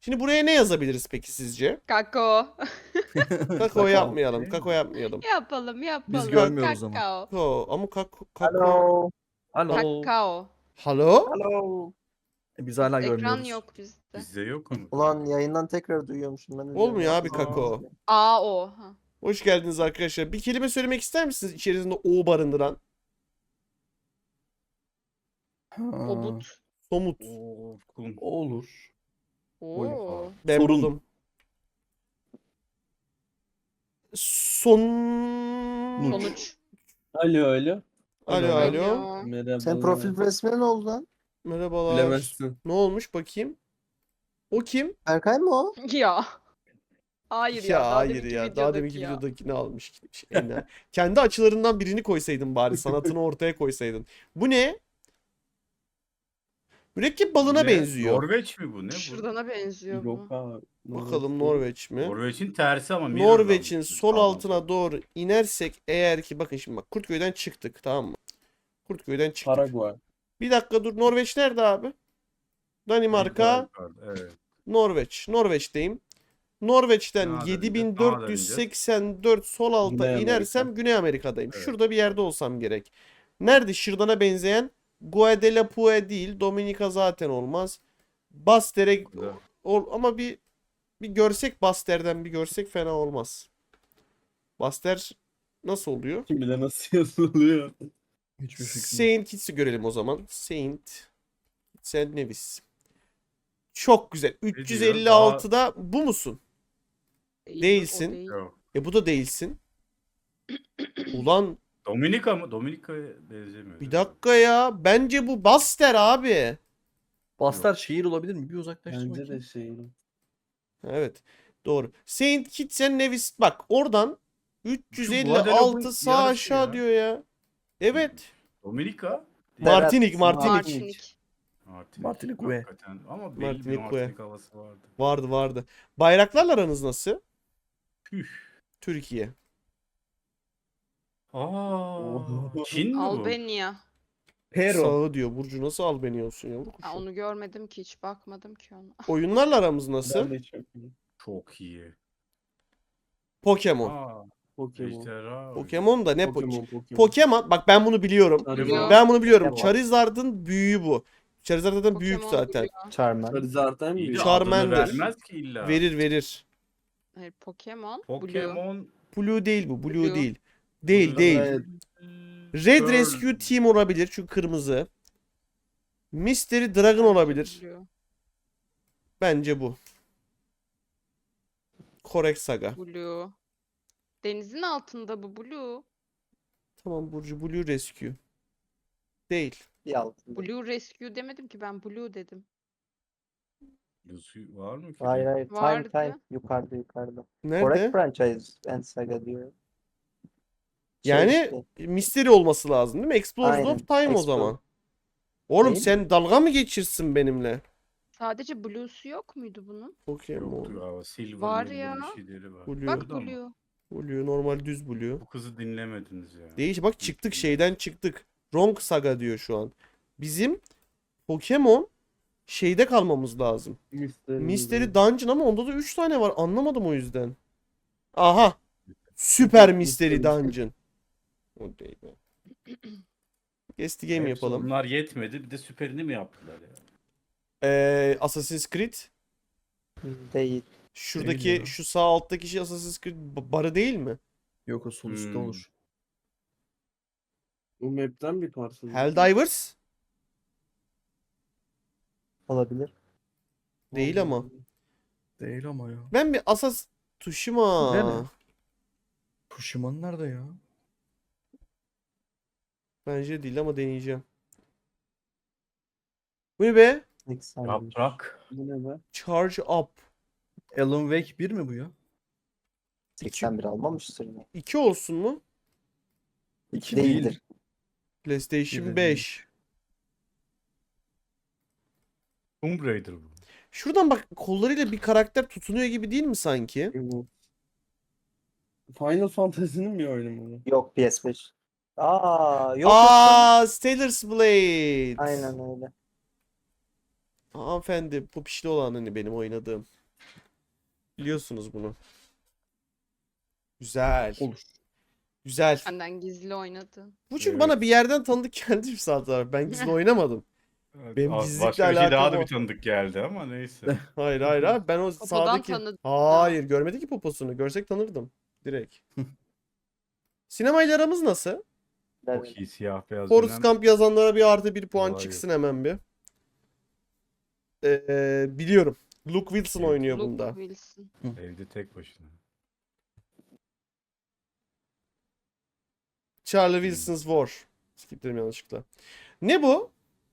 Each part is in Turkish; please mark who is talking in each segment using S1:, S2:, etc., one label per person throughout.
S1: Şimdi buraya ne yazabiliriz peki sizce?
S2: Kakao.
S1: Kakao yapmayalım. Kakao yapmayalım.
S2: Yapalım yapalım.
S3: görmüyoruz ama.
S2: Kakao.
S1: Kakao ama kakao.
S4: Hello.
S3: Alo.
S2: Kakao.
S1: Halo?
S4: Hello.
S3: Biz hala
S2: Ekran
S3: görmüyoruz.
S2: yok bizde.
S5: Bizde yok ama.
S4: Ulan yayından tekrar duyuyormuşum ben.
S1: Olmuyor abi
S4: Üzerine-
S1: kakao.
S2: A-O. Ha.
S1: Hoş geldiniz arkadaşlar. Bir kelime söylemek ister misiniz içerisinde o barındıran?
S3: Ha,
S2: Obut.
S1: Somut.
S5: Oo, kum.
S3: olur.
S2: Oo.
S1: Ben
S3: Sorun.
S1: buldum.
S2: Sonuç.
S6: Alo alo.
S1: Alo alo.
S2: Alo.
S6: Merhaba.
S4: Senin profil resmine ne oldu lan?
S1: Merhabalar.
S6: Bilemezsin.
S1: Ne olmuş bakayım? O kim?
S4: Berkay mı o?
S2: Ya. Hayır ya. Daha
S1: hayır
S2: deminki
S1: ya. Daha
S2: videodaki
S1: deminki
S2: ya.
S1: videodakini almış. Kendi açılarından birini koysaydın bari. Sanatını ortaya koysaydın. Bu ne? Mürekkep balına
S5: Ne?
S1: benziyor.
S5: Norveç mi bu? Ne bu?
S2: Şırdana benziyor
S6: Yok
S2: bu.
S6: abi.
S1: Bakalım Norveç mi?
S5: Norveç'in tersi ama. mirror
S1: Norveç'in
S5: almış.
S1: sol
S5: Tamam.
S1: altına doğru inersek eğer ki bakın şimdi bak Kurtköy'den çıktık tamam mı? Kurtköy'den çıktık.
S6: Paraguay.
S1: Bir dakika dur Norveç nerede abi? Danimarka,
S5: Evet.
S1: Norveç. Norveç'teyim. Norveç'ten
S5: Daha da önce,
S1: 7484 sol alta
S6: Güney Amerika.
S1: inersem Güney Amerika'dayım.
S5: Evet.
S1: Şurada bir yerde olsam gerek. Nerede şırdana benzeyen? Guadeloupe değil. Dominika zaten olmaz. Bastere
S5: Burada.
S1: ama bir görsek Baster'den bir görsek fena olmaz. Baster nasıl oluyor?
S6: Kim bilir nasıl yazılıyor.
S3: Hiçbir fikrim yok.
S1: Saint Kitts'i görelim o zaman. Saint Nevis. Çok güzel.
S5: diyor?
S1: 356'da bu musun?
S2: Değil,
S1: Değilsin.
S2: o değil.
S5: Yok.
S1: Bu da değilsin. Ulan
S5: Dominika mı? Dominika'ya benzemiyor.
S1: bir dakika ya. Bence bu Baster abi.
S3: Bastar şehir olabilir mi? Bir uzaklaştır
S6: Bence de
S3: bakayım.
S6: şey.
S1: Evet. Doğru. Saint Kitts and Nevis. Bak oradan
S5: Guadeloupe'un
S1: 356 sağ
S5: yarısı
S1: aşağı
S5: ya.
S1: diyor ya. Evet.
S5: Dominika?
S1: Martinik.
S2: Martinik.
S3: Martinik ve.
S5: Hakikaten. Ama belli
S1: Martinik
S5: bir
S1: ve.
S5: Martinik havası vardı.
S1: Vardı. Bayraklarla aranız nasıl?
S5: Püh.
S1: Türkiye.
S5: Çin mi bu?
S2: Albanya.
S6: Pero.
S1: Sağı diyor. Burcu nasıl Albanya olsun yavrum?
S2: Ha, onu görmedim ki hiç bakmadım ki ona.
S1: Oyunlarla aramız nasıl?
S6: Ben de çok iyi.
S5: Çok iyi.
S1: Pokemon.
S6: Pokemon.
S5: Ejderha.
S1: Pokemon da ne
S6: Pokemon.
S1: Pokemon bak ben bunu biliyorum.
S6: Charizard.
S1: Ben bunu biliyorum.
S4: Pokemon.
S1: Charizard'ın büyüğü bu. Charizard zaten büyük
S2: Pokemon
S1: zaten.
S2: biliyor.
S4: Charmander.
S6: Charizard'dan
S5: İyi de
S6: büyük.
S1: Charmander.
S5: adını vermez ki illa.
S1: Verir.
S2: Hayır, Pokemon. Blue.
S5: Pokemon.
S1: Blue değil bu. Blue
S2: Blue.
S1: değil. Değil.
S6: Evet.
S1: Red
S5: Pearl.
S1: Rescue Team olabilir çünkü kırmızı. Mystery Dragon olabilir.
S2: Blue.
S1: Bence bu. Korek Saga.
S2: Blue. Denizin altında bu Blue.
S1: Tamam Burcu Blue Rescue. Değil.
S4: Bir altında.
S2: Blue Rescue demedim ki ben Blue dedim.
S5: Lucy var mı ki?
S4: Hayır hayır.
S2: Vardı.
S4: Time. Yukarıda.
S1: Nerede?
S4: Correct franchise and saga diyor.
S1: Yani
S4: işte,
S1: Mystery olması lazım değil mi? Explorers
S4: Aynen,
S1: of Time o
S4: Explore.
S1: zaman. Oğlum
S4: Değil
S1: sen dalga mı geçirsin benimle?
S2: Sadece Blue'su yok muydu bunun?
S1: Pokemon.
S5: Yoktu ya. Silver
S2: Var
S5: milli
S2: ya.
S5: bir şeyleri var.
S1: Blue.
S2: Bak
S5: Orada mı?
S2: Blue.
S1: Blue normal düz Blue.
S5: Bu kızı dinlemediniz ya.
S1: Değiş bak çıktık şeyden çıktık. Wrong Saga diyor şu an. Bizim Pokemon şeyde kalmamız lazım. Mystery Dungeon ama onda da 3 tane var. Anlamadım o yüzden. Aha. Süper Mystery Dungeon. O değil be. Guess the game
S5: Hepsi
S1: yapalım.
S5: Bunlar yetmedi. Bir de süperini mi yaptılar ya?
S1: Assassin's Creed.
S4: Değil.
S1: Şuradaki
S3: Değil ya.
S1: şu sağ alttaki şey Assassin's Creed barı değil mi?
S3: Yok o sol üstte olur.
S6: Bu map'ten bir parça.
S1: Helldivers?
S4: Olabilir.
S1: Değil ama.
S3: Değil ama ya.
S1: Ben bir Tsushima.
S3: Nerede? Pushimon nerede ya?
S1: Bence değil ama deneyeceğim. Bu ne be?
S4: İlk saniye.
S5: Yaprak.
S6: Bu ne be?
S1: Charge Up.
S3: Alan Wake 1 mi bu ya?
S4: 81 almamıştır yine.
S1: 2 olsun mu?
S3: 2
S4: Değildir.
S3: değil.
S1: PlayStation
S3: Bir de
S1: 5.
S5: Tomb Raider bu.
S1: Şuradan bak kollarıyla bir karakter tutunuyor gibi değil mi sanki?
S6: Bu. Final Fantasy'nin bir oyunu mu bu?
S4: Yok PS5. Yok.
S1: Aa, Stellar's Blade.
S4: Aynen öyle.
S1: Hanımefendi popişli olan hani benim oynadığım. Biliyorsunuz bunu. Güzel.
S3: Olur.
S1: Güzel.
S2: Benden gizli oynadın.
S1: Bu çünkü
S5: Evet.
S1: bana bir yerden tanıdık geldi bir saat abi. Ben gizli oynamadım. Benim gizlilikle
S5: Başka bir şey daha
S1: alakam
S5: da
S1: o.
S5: bir tanıdık geldi ama neyse.
S1: Hayır hayır abi ben o
S2: Popodan
S1: sağdaki...
S2: tanıdım.
S1: Hayır görmedi ki poposunu. Görsek tanırdım. Direkt. Sinemayla aramız nasıl?
S5: Çok iyi siyah beyaz
S1: Forrest
S5: dönem.
S1: Gump yazanlara bir artı bir puan
S5: Hayır.
S1: çıksın hemen bir. Biliyorum. Luke Wilson
S5: Evet.
S1: oynuyor
S2: Luke
S1: bunda.
S2: Wilson.
S5: Evde tek başına.
S1: Charlie Wilson's War. Skiplerim yanlışlıkla. Ne bu?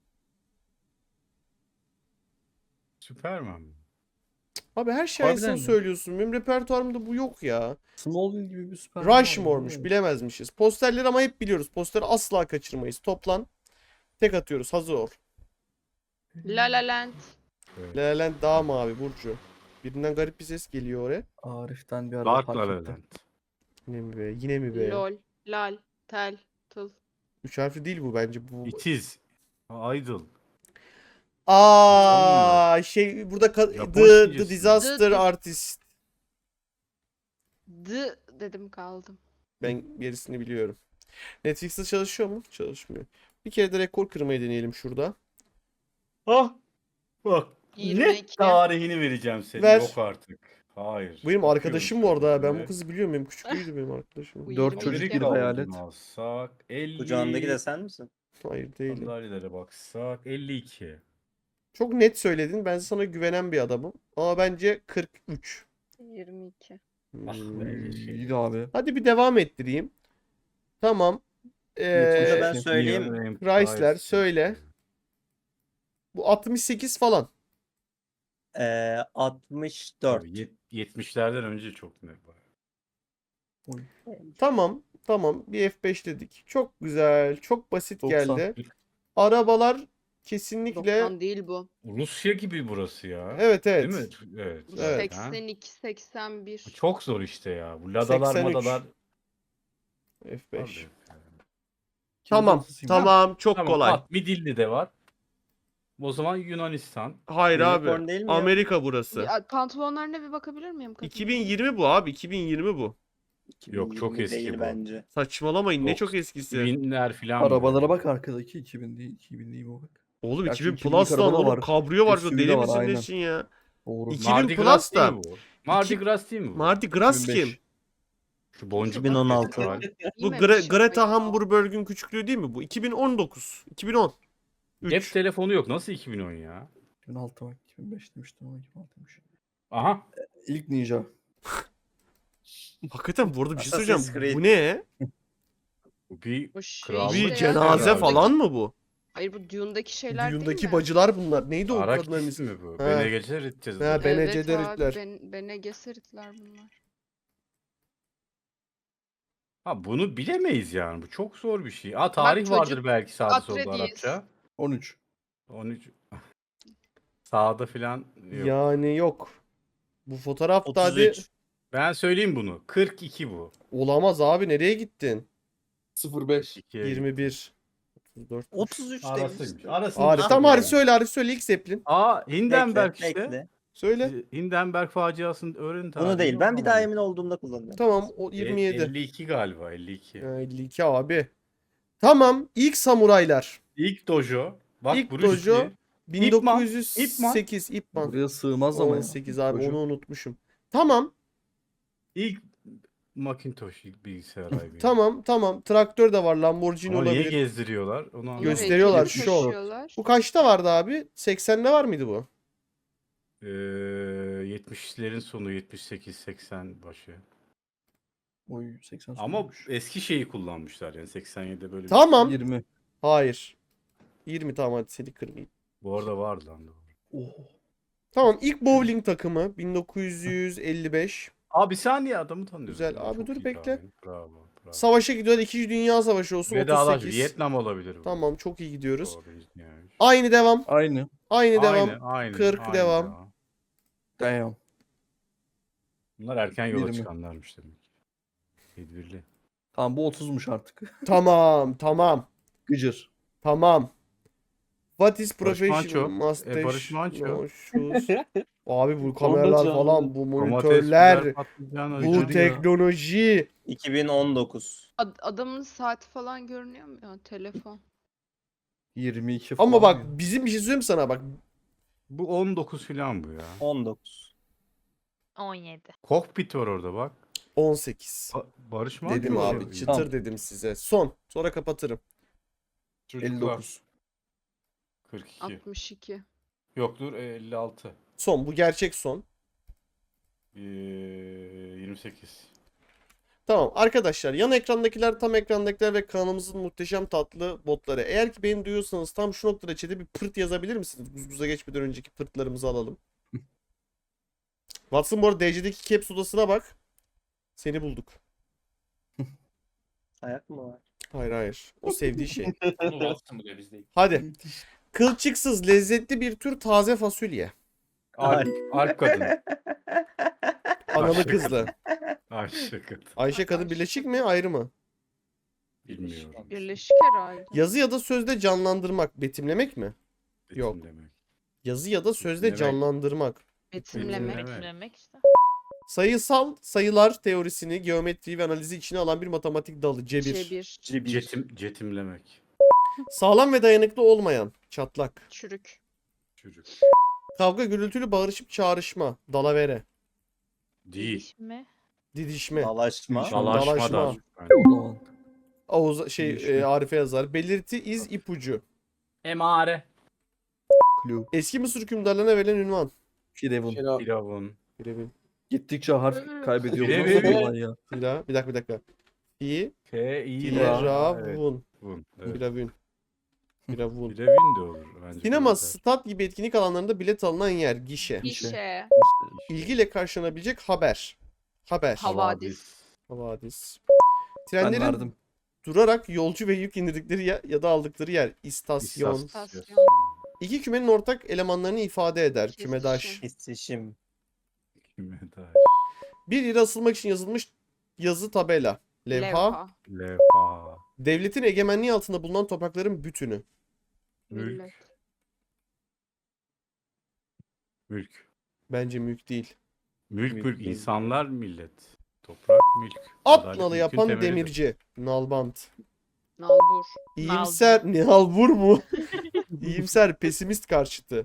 S5: Superman mi?
S1: Abi her şey
S3: Harbiden
S1: aynısını
S3: mi?
S1: söylüyorsun. Benim repertuarımda bu yok ya.
S3: Smallville gibi bir süper. kahraman
S1: Rushmore'muş.
S3: değil mi?
S1: Bilemezmişiz. Posterleri ama hep biliyoruz. Posteri asla kaçırmayız. Toplan. Tek atıyoruz. Hazır ol.
S2: La La Land.
S5: Evet.
S1: La La Land daha mavi Burcu. Birinden garip bir ses geliyor oraya.
S3: Arif'ten bir araba
S5: Dark
S3: fark
S5: La La
S3: ettim.
S5: Land.
S1: Yine mi be? Yine mi be?
S2: Lol. Lal. Tel. Tıl.
S1: Üç harfli değil bu bence. Bu...
S5: It is. Idol.
S1: Şey burada
S5: Japon
S1: The
S5: İngilizcesi.
S1: Disaster
S2: The-
S1: Artist.
S2: D dedim kaldım.
S1: Ben gerisini biliyorum. Netflix'te çalışıyor mu? Çalışmıyor. Bir kere de rekor kırmayı deneyelim şurada.
S5: Ah! Bak.
S2: 22.
S5: Net tarihini vereceğim senin.
S1: Ver.
S5: Yok artık. Hayır.
S1: Bu benim
S5: Bakıyorum
S1: arkadaşım bu arada. ha. Ben bu
S5: şöyle.
S1: kızı biliyorum. Benim küçüklüğüydü benim arkadaşım.
S2: Bu
S3: 4
S2: 22.
S3: çocuk bir
S5: Amerika
S3: hayalet.
S5: olduğunu alsak 50.
S4: Kucağındaki de sen misin?
S1: Hayır değilim.
S5: Sandalyelere baksak 52.
S1: Çok net söyledin. Ben sana güvenen bir adamım. Ama bence 43.
S2: 22.
S5: Ah
S1: Hmm.
S5: be.
S3: İyiydi abi.
S1: Hadi bir devam ettireyim. Tamam.
S3: Yetmiş
S4: ben
S3: iki.
S4: söyleyeyim.
S1: Chrysler söyle. Bu 68 falan.
S4: 64.
S5: 70'lerden önce çok net var.
S1: Tamam. Tamam. Bir F5 dedik. Çok güzel. Çok basit
S3: 90.
S1: geldi. Arabalar kesinlikle
S2: 90 değil bu.
S5: Rusya gibi burası ya.
S1: evet evet.
S5: Değil mi? Evet.
S2: Bu
S1: Evet.
S5: Ha?
S2: 82, 81.
S5: Bu çok zor işte ya. Bu ladalar
S1: 83.
S5: madalar.
S1: F5.
S5: Abi.
S1: Tamam.
S3: Kimse-
S1: Tamam. Çok
S5: Tamam,
S1: kolay.
S5: at, Midilli de var. O zaman Yunanistan.
S1: Hayır
S4: Unicorn
S1: abi.
S4: değil mi ya?
S1: Amerika burası.
S2: Ya, pantolonlarına bir bakabilir miyim? Kadın?
S1: 2020 bu abi. 2020 bu.
S5: Yok, çok
S4: 2020
S5: eski
S4: değil
S5: bu.
S4: bence.
S1: Saçmalamayın. Ne
S5: Yok,
S1: çok eskisi.
S5: Binler filan.
S3: Arabalara
S5: böyle.
S3: bak arkadaki 2000 değil. 2000 değil bu bak.
S1: Oğlum
S3: Gerçi
S1: 2000
S3: 2000'lik
S1: Plus lan
S3: araba da
S1: oğlum.
S3: var.
S1: Kabrio var.
S3: SUV de
S1: Deli
S3: var,
S1: misin
S3: aynen.
S1: nesin ya?
S3: Doğru.
S1: 2000
S5: Mardi
S1: Plus
S5: Gras
S1: da.
S5: değil mi bu? Mardi Gras değil mi bu?
S1: Mardi Gras
S3: 2005.
S1: kim?
S5: Şu boncuk
S4: 2016.
S5: festival.
S1: Bu
S2: Giymemiş
S1: Greta
S2: yapmayı.
S1: Hamburberg'ün küçüklüğü değil mi bu? 2019. 2010.
S5: Cep
S1: 3.
S5: telefonu yok. Nasıl 2010 ya?
S3: 2006 bak. 2005 demiştim ama 2006'ymış.
S5: Aha.
S3: İlk Ninja.
S1: Hakikaten bu arada bir şey
S4: Assassin's
S1: söyleyeceğim.
S4: Creed.
S1: Bu ne?
S5: Bu bir
S2: Bu şey
S5: Krallık
S1: Bir
S2: işte ya,
S1: cenaze
S5: herhalde.
S1: falan mı bu?
S2: Hayır bu Dune'daki şeyler değil
S1: Düğündeki
S2: mi?
S1: bacılar bunlar. Neydi o
S5: Araç
S1: kadınların
S5: ismi
S1: ismi?
S5: mi bu?
S1: Ha.
S5: Bene Gesserit
S1: Ha,
S5: yazılır.
S1: Bene
S2: Evet
S1: Gesseritler.
S2: abi Bene Gesseritler bunlar.
S5: Ha bunu bilemeyiz yani. Bu çok zor bir şey. Ha tarih
S2: çocuk
S5: vardır belki sağda solda
S2: Atreides.
S5: Arapça.
S3: 13.
S5: 13. Sağda filan yok.
S1: Yani yok. Bu fotoğrafta hadi
S4: 33.
S5: Ben söyleyeyim bunu. 42 bu.
S1: olamaz abi nereye gittin?
S3: 05.
S5: 2'ye
S1: 21. 34.
S4: 33
S5: Arasıymış.
S4: demiştim.
S5: Arasını
S1: Arif
S4: Ah
S1: tam
S4: be.
S1: Arif söyle Arif söyle ilk Zeppelin.
S5: Aa Hindenburg
S4: Bekle,
S5: işte.
S4: bekle.
S1: Söyle.
S5: Hindenburg faciasını öğrenin
S4: Bunu
S5: tarihini,
S4: değil. Ben bir
S5: tamam.
S4: daha emin olduğumda kullanacağım.
S1: Tamam o 27.
S5: 52 galiba 52.
S1: Ha, 52 abi. Tamam ilk samuraylar.
S5: İlk dojo. Bak
S1: İlk
S5: Bruce
S1: dojo
S5: Lee.
S1: 1908 İpman.
S3: Buraya sığmaz ama ya.
S1: 18 abi
S3: Dojo.
S1: onu unutmuşum. Tamam
S5: İlk Macintosh ilk bilgisayar abi.
S1: tamam traktör de var Lamborghini
S5: Ama niye
S1: olabilir.
S5: gezdiriyorlar? Onu
S2: Onun
S5: anlamadım.
S1: Gösteriyorlar,
S2: heykelini
S1: şov.
S2: taşıyorlar.
S1: Bu kaçta vardı abi? 80'de var mıydı bu?
S5: 70'lerin sonu 78-80 başı.
S3: Oy 80
S5: Ama
S3: sonuymuş.
S5: eski şeyi kullanmışlar yani 87'de böyle bir-
S1: Tamam.
S3: 20.
S1: Hayır. 20 tamam hadi seni kırmayayım.
S5: Bu arada vardı lan doğru.
S3: Oh.
S1: Tamam ilk bowling takımı 1955.
S5: Abi bir saniye adamı tanıyorsun.
S1: Güzel.
S5: ya,
S1: Abi
S5: çok
S1: dur
S5: iyi
S1: bekle.
S5: tahmin. Bravo.
S1: Savaşa gidiyorlar. 2. Dünya Savaşı olsun
S5: Vedalaş
S1: 38.
S5: Vietnam olabilir bu.
S1: Tamam çok iyi gidiyoruz.
S5: Doğru, yani.
S1: Aynı devam.
S3: Aynı.
S1: Aynı devam.
S5: Aynı,
S1: 40
S5: aynı
S1: devam.
S5: ya.
S3: Damn.
S5: Bunlar erken yola
S3: 20.
S5: çıkanlarmış demek. Tedbirli.
S3: Tamam bu 30'muş artık.
S1: Tamam.
S3: Gıcır.
S1: Tamam. What is
S5: Barış
S1: professional
S5: Manço.
S1: mustache?
S5: Barış Manço.
S1: No shoes. Abi bu
S6: Onda
S1: kameralar
S6: canlı.
S1: falan, bu
S5: Domates,
S1: monitörler,
S5: biber, patlıcan,
S1: bu
S5: hocam.
S1: teknoloji.
S4: 2019.
S2: Adamın saati falan görünüyor mu ya? Telefon.
S3: 22 falan.
S1: Ama bak
S3: ya.
S1: bizim bir şey söyleyeyim sana bak.
S5: Bu 19 falan bu ya.
S4: 19.
S7: 17.
S5: Kokpit var orada bak.
S1: 18.
S5: Barış Manço.
S1: Dedim abi,
S5: ya.
S1: çıtır
S3: Tamam.
S1: dedim size. Son. Sonra kapatırım.
S5: Çocuklar.
S3: 59.
S5: 42.
S2: 62.
S5: Yok dur 56.
S1: Son. Bu gerçek son.
S5: 28.
S1: Tamam arkadaşlar, yan ekrandakiler, tam ekrandakiler ve kanalımızın muhteşem tatlı botları. Eğer ki beni duyuyorsanız tam şu noktada chat'e bir pırt yazabilir misiniz? Guzguza geçmeden önceki pırtlarımızı alalım. Watson bu arada DC'deki caps odasına bak. Seni bulduk.
S4: Ayak mı var?
S1: Hayır hayır. O sevdiği şey.
S5: Onu Watson bu biz değil.
S1: Hadi. Kılçıksız lezzetli bir tür taze fasulye.
S5: Alp kadın.
S1: Analı kızlı.
S5: Ayşe kadın.
S1: Ayşe kadın birleşik mi ayrı mı?
S5: Bilmiyorum.
S2: Birleşik herhalde.
S1: Yazı ya da sözde canlandırmak, betimlemek mi? Yok.
S5: Betim demek.
S1: Yazı ya da sözde
S5: Betimlemek.
S1: canlandırmak.
S2: Betimlemek.
S5: Evet.
S7: Betimlemek işte.
S1: Sayısal sayılar teorisini, geometriyi ve analizi içine alan bir matematik dalı. Cebir.
S2: Cebir.
S5: Cetimlemek.
S1: Sağlam ve dayanıklı olmayan. Çatlak.
S2: Çürük.
S5: Çocuk.
S1: Kavga, gürültülü bağırışıp çağrışma. Dalavere.
S5: Değil.
S7: Didişme.
S1: Didişme.
S4: Dalaşma.
S1: Dalaşma.
S5: Dalaşma da.
S3: O zaman.
S1: Oğuz Arif'e yazar. Belirti, iz, ipucu.
S5: Emare.
S3: Clue.
S1: Eski Mısır hükümdarlarına verilen ünvan.
S3: Firavun.
S5: Firavun.
S1: Birebir.
S3: Gittikçe harf kaybediyor. Bu
S5: Firavun.
S3: nasıl olay ya?
S1: Bir dakika.
S5: F, I,
S1: Firavun.
S5: Evet.
S1: Firavun. Firavun.
S5: Firavun da olur. Bence
S1: Sinema,
S5: benzer.
S1: stat gibi etkinlik alanlarında bilet alınan yer. Gişe.
S2: İşe.
S1: İlgiyle karşılanabilecek haber. Haber.
S2: Havadis.
S1: Havadis.
S3: Ben
S1: Trenlerin
S3: verdim.
S1: durarak yolcu ve yük indirdikleri ya da aldıkları yer. İstasyon.
S2: İstasyon.
S1: İki kümenin ortak elemanlarını ifade eder.
S2: Kesişim.
S1: Kümedaş.
S4: İstişim.
S5: Kime dair?
S1: Bir yere asılmak için yazılmış yazı tabela. Levha.
S5: Levha.
S1: Devletin egemenliği altında bulunan toprakların bütünü.
S5: Mülk.
S2: Millet.
S5: Mülk.
S1: Bence mülk değil.
S5: Mülk. İnsanlar millet. Toprak mülk.
S1: At
S5: Adalet
S1: nalı
S5: mülkün
S1: yapan
S5: temelidir.
S1: demirci. Nalbant.
S2: Nalbur.
S1: İyimser. Nalbur mu? İyimser. Pesimist karşıtı.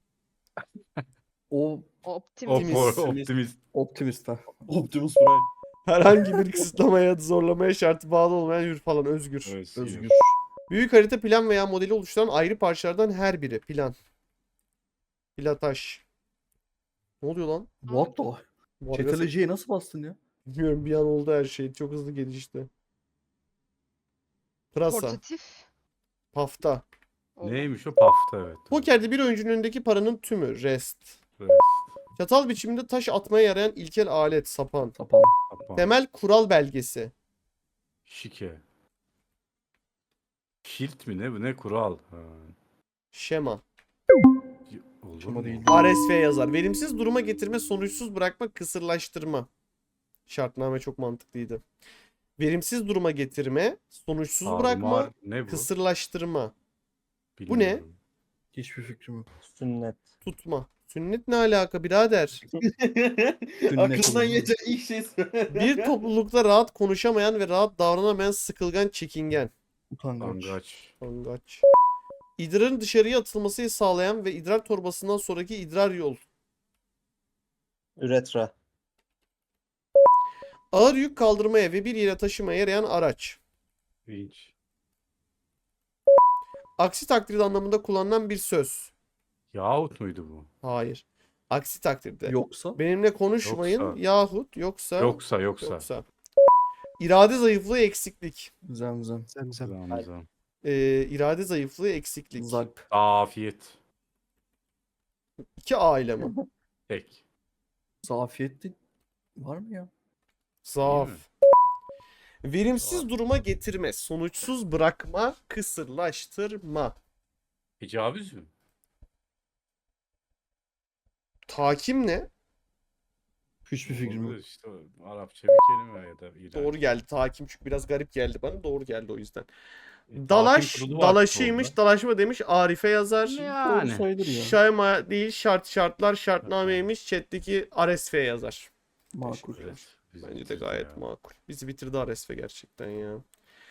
S3: O
S2: Optimist.
S5: Optimist.
S3: optimist ha.
S6: Optimus Prime.
S1: Herhangi bir kısıtlamaya, zorlamaya şartı bağlı olmayan hür falan. Özgür.
S3: Özgür.
S1: Büyük harita, plan veya modeli oluşturan ayrı parçalardan her biri. Plan. Plataş. Ne oluyor lan?
S3: What the?
S1: Vargas-
S3: Çeteleciye nasıl bastın ya?
S1: Bilmiyorum, bir an oldu her şey. Çok hızlı gelişti. Pırasa.
S2: Portatif.
S1: Pafta.
S5: Neymiş o? Pafta evet.
S1: Pokerde bir oyuncunun önündeki paranın tümü. Rest.
S5: Evet.
S1: Çatal biçiminde taş atmaya yarayan ilkel alet. Sapan.
S3: Sapan.
S5: Kapan.
S1: Temel kural belgesi.
S5: Şike. Şilt mi ne bu? Ne kural? Ha.
S1: Şema.
S5: Olur
S3: Şema
S5: mu?
S3: değil.
S1: RSV yazar. Verimsiz duruma getirme, sonuçsuz bırakma, kısırlaştırma. Şartname çok mantıklıydı. Verimsiz duruma getirme, sonuçsuz bırakma,
S5: Tarumar ne bu?
S1: kısırlaştırma, bu ne?
S5: Bilmiyorum.
S3: Hiçbir fikrim yok.
S4: Sünnet.
S1: tutma. Sünnet ne alaka birader?
S6: Aklından
S3: olur.
S6: geçen ilk şey
S1: Bir toplulukta rahat konuşamayan ve rahat davranamayan sıkılgan, çekingen.
S3: Utangaç.
S5: Angaç.
S1: Angaç. İdrarın dışarıya atılmasını sağlayan ve idrar torbasından sonraki idrar yol.
S4: Üretra.
S1: Ağır yük kaldırmaya ve bir yere taşımaya yarayan araç.
S5: Vinç.
S1: Aksi takdirde anlamında kullanılan bir söz.
S5: Yahut muydu bu?
S1: Hayır. Aksi takdirde.
S3: Yoksa
S1: Benimle konuşmayın
S5: Yoksa.
S1: yahut yoksa.
S5: Yoksa.
S1: İrade zayıflığı, eksiklik.
S3: zemzem.
S5: Zamzam.
S1: İrade zayıflığı, eksiklik.
S3: Zalp.
S5: Afiyet.
S1: 2 aile mi?
S5: Tek.
S3: Zafiyetli var mı ya?
S1: Zaaf.
S5: mi?
S1: Verimsiz duruma getirme, sonuçsuz bırakma, kısırlaştırma.
S5: Tecavüz mü?
S1: Takim ne?
S3: Hiçbir fikrim yok.
S5: Olur işte o Arapça bir kelime ya da İran.
S1: Doğru geldi. Takim çünkü biraz garip geldi bana. Doğru geldi o yüzden. Dalaş,
S5: kurulu var
S1: dalaşıymış.
S5: futbolda.
S1: Dalaşma mı demiş. Arife yazar.
S3: Doğru
S5: Yani.
S3: sayılır ya.
S1: Şayma değil, şartlar, şartnameymiş. Chat'teki RSF yazar.
S3: Makul.
S5: Evet, bizi
S1: Bence de
S5: bitirdi
S1: gayet
S5: ya.
S1: makul. Bizi bitirdi RSF gerçekten ya.